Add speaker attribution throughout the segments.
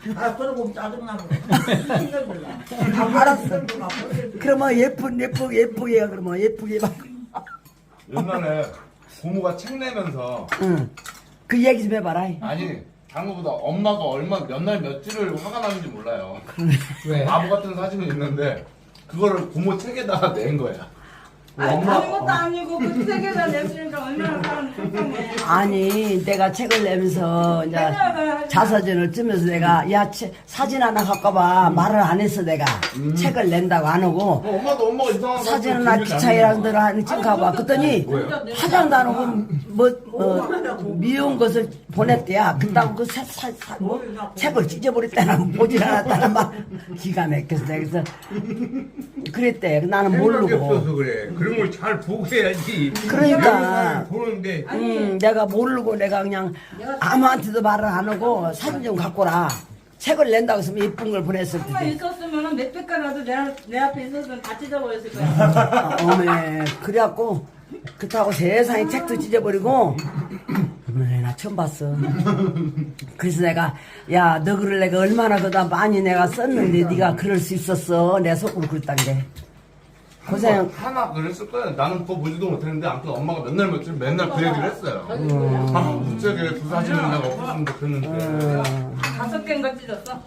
Speaker 1: 아, 그러고 짜증나고.
Speaker 2: 알았어. 그러면 예쁘게 해. 그러면 예쁘게 막.
Speaker 3: 옛날에 고모가 책 내면서
Speaker 2: 응. 그 얘기 좀 해봐라.
Speaker 3: 아니 장모보다 엄마가 얼마 몇 날 며칠을 화가 나는지 몰라요.
Speaker 4: 왜?
Speaker 3: 바보 같은 사진이 있는데 그거를 고모 책에다가 낸 거야.
Speaker 5: 아니 다른 것도 아니고 그 세계가 냈으니까 얼마나 사람 속상해.
Speaker 2: 아니 내가 책을 내면서 이제 자서전을 쓰면서 내가 야 사진 하나 갖고 와 말을 안 했어 내가 책을 낸다고 안 하고
Speaker 3: 엄마도 엄마가 이상한
Speaker 2: 사진 하나 기차이라는 데로 하는 찍어봐 그랬더니 화장도 안 하고 미운 것을 보냈대야 그따고 책을 찢어버렸다나 보질 않았다나 막 기가 막혀서 내가 그래서 그랬대 나는
Speaker 4: 생각이
Speaker 2: 모르고
Speaker 4: 없어서 그래. 그런 걸 잘 보고 해야지.
Speaker 2: 그러니까
Speaker 4: 보는데
Speaker 2: 내가 모르고 내가 그냥 아무한테도 말을 안 하고 사진 좀 갖고 라 책을 낸다고 했으면 예쁜 걸 보냈을
Speaker 5: 정말
Speaker 2: 텐데
Speaker 5: 있었으면 몇백 가라도 내 앞에 있었으면 다 찢어버렸을 거야.
Speaker 2: 어메 그래갖고 그렇다고 세상에 책도 찢어버리고 어메 나 처음 봤어 그래서 내가 야 너 글을 내가 얼마나 그다 많이 내가 썼는데 네가 그럴 수 있었어 내 속으로 그랬단 게 고생
Speaker 3: 하나 그랬을 거야. 나는 그거 보지도 못했는데 아무튼 엄마가 맨날 며칠 맨날 그 얘기를 했어요. 부쩍에 그 사진을 내가 없었으면 좋겠는데.
Speaker 5: 5개인 거 찢었어.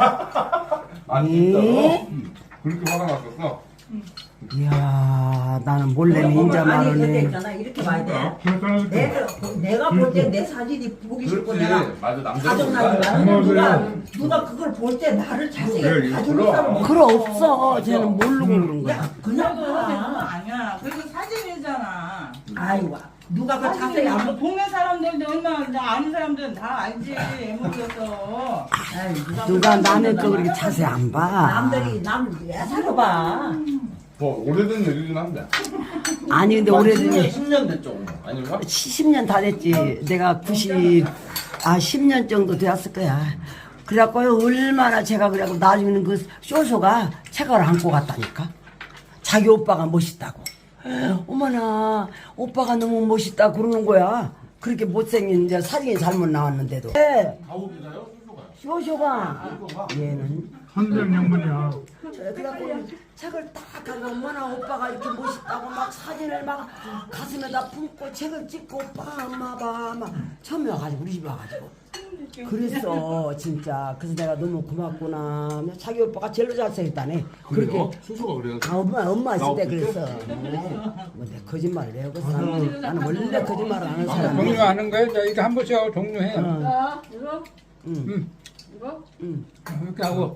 Speaker 3: 아니 진짜로? 그렇게 화가 났었어?
Speaker 2: 이야 나는 몰래 인자
Speaker 1: 아니, 근데
Speaker 2: 말을 해
Speaker 1: 있잖아. 이렇게 봐야 돼. 내가 볼 때 내 사진이 보기 싫고
Speaker 3: 그렇지.
Speaker 1: 내가
Speaker 3: 맞아
Speaker 1: 가정나는
Speaker 3: 남자는
Speaker 1: 누가 그걸 볼 때 나를 자세히
Speaker 4: 그래,
Speaker 1: 봐주는 사람
Speaker 2: 그럼 없어 쟤는 모르고 그런 거야
Speaker 1: 그냥
Speaker 5: 그래도
Speaker 1: 봐.
Speaker 5: 아니야. 그리고 사진이잖아.
Speaker 1: 아이고 누가 그 자세히 안 봐.
Speaker 5: 동네 사람들도 얼마나 나 아는 사람들은 다 알지. 애물려서.
Speaker 1: 아이,
Speaker 2: 누가 남의 거 그렇게 자세히 안 봐.
Speaker 1: 남들이 왜 살아봐.
Speaker 3: 뭐 오래된 얘기긴 한데.
Speaker 2: 아니 근데 오래전에
Speaker 3: 10년 됐죠. 아닌가?
Speaker 2: 10년 다 됐지. 내가 10년 정도 되었을 거야. 그래갖고 얼마나 제가 그래갖고 나중에는 그 쇼쇼가 책을 안고 갔다니까. 자기 오빠가 멋있다고. 어머나 오빠가 너무 멋있다 그러는 거야. 그렇게 못생긴 이제 사진이 잘못 나왔는데도.
Speaker 3: 가오기가요?
Speaker 2: 쇼쇼가 얘는
Speaker 6: 선생 양반이야.
Speaker 2: 그래갖고 책을 딱 하고 엄마나 오빠가 이렇게 멋있다고 막 사진을 막 가슴에다 품고 책을 찍고 오빠 엄마 봐막 처음에 와가지고 우리 집에 와가지고 그랬어 진짜. 그래서 내가 너무 고맙구나. 자기 오빠가 제일로 잘생겼다네.
Speaker 3: 그래요? 수수가 그래요?
Speaker 2: 엄마 있을 때
Speaker 3: 나
Speaker 2: 그랬어. 뭐 내가 거짓말을 해요. 그래서 나는 원래 거짓말을 안 하는 사람이야.
Speaker 4: 종료하는 거야? 자, 이거 한 번씩 하고 종료해.
Speaker 5: 자, 이거? 이거?
Speaker 4: 이렇게 하고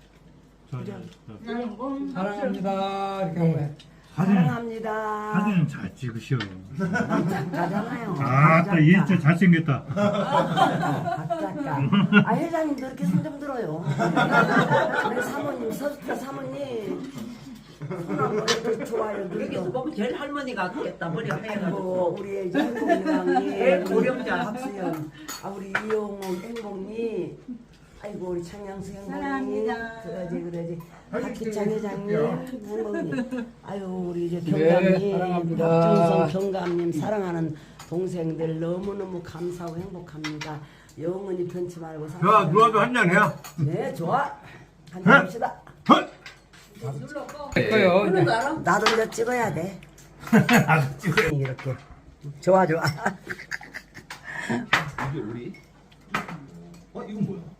Speaker 4: 사랑합니다 이렇게 하고 해.
Speaker 2: 사랑합니다.
Speaker 6: 사진 잘 찍으셔.
Speaker 2: 작가잖아요.
Speaker 6: 아따 얘 진짜 잘생겼다.
Speaker 2: 작가. 아 회장님도 이렇게 손 좀 들어요. 우리 사모님 서스타 사모님. 손하고 좋아요.
Speaker 1: 여기서 보면 제일 할머니가 같겠다. 머리가 하얘가지고.
Speaker 2: 아이고 우리 행복이랑이
Speaker 1: 제일 고령자.
Speaker 2: 박수연. 아 우리 이용호 행복님. 아이고 우리 창양수 행복님.
Speaker 5: 사랑합니다.
Speaker 2: 그러지. 박희창 회장님 행복님. 아유 우리 이제
Speaker 4: 네,
Speaker 2: 경감님,
Speaker 4: 사랑합니다.
Speaker 2: 박준성 경감님 사랑하는 동생들 너무너무 감사하고 행복합니다. 영원히 변치 말고
Speaker 6: 자,
Speaker 2: 사랑합니다.
Speaker 6: 누워도 한잔 해야.
Speaker 2: 네 좋아. 한잔 합시다.
Speaker 4: 예뻐요. 이제.
Speaker 2: 나도 이제 찍어야 돼. 이렇게 좋아.
Speaker 3: 이게 우리? 이건 뭐야?